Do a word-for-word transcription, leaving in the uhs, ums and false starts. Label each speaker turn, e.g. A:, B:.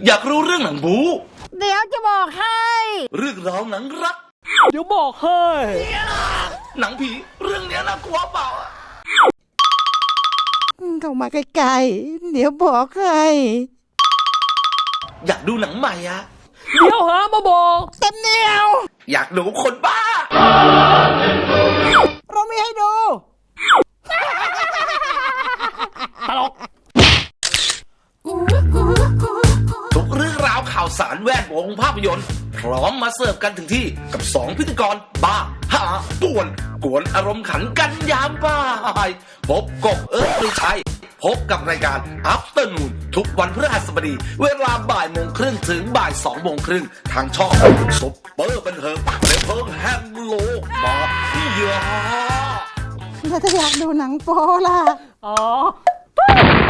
A: อยากรู้เรื่องหนังบู๊
B: เดี๋ยวจะบอกให้
A: เรื่องราวหนังรัก
C: เดี๋ยวบอกให้
A: หนังผีเรื่องเนี้ยน่ากลัวเปล่า
B: เข้ามาใกล้ๆเดี๋ยวบอกให้
A: อยากดูหนังใหม่อะ
C: เดี๋ยวหามาบอก
B: เต็มเหนียว
A: อยากดูคนบ้า
B: เรามีให้ดู
C: ตลก
A: ทุกเรื่องราวข่าวสารแวดวงภาพยนตร์พร้อมมาเสิร์ฟกันถึงที่กับสองพิธีกรบ้าหาป่วนกวนอารมณ์ขันกันยามบ่ายพบกบเอิร์ธปรีชัยพบกับรายการ Afternoon ทุกวันพฤหัสบดีเวลาบ่ายโมงครึ่งถึงบ่ายสองโมงครึ่งทางช่องซุปเปอร์บันเทิงและเพิ่งแฮมโลกมาเยอะ
B: ถ้าอยากดูหนังโป๊ล่ะ
C: อ๋อ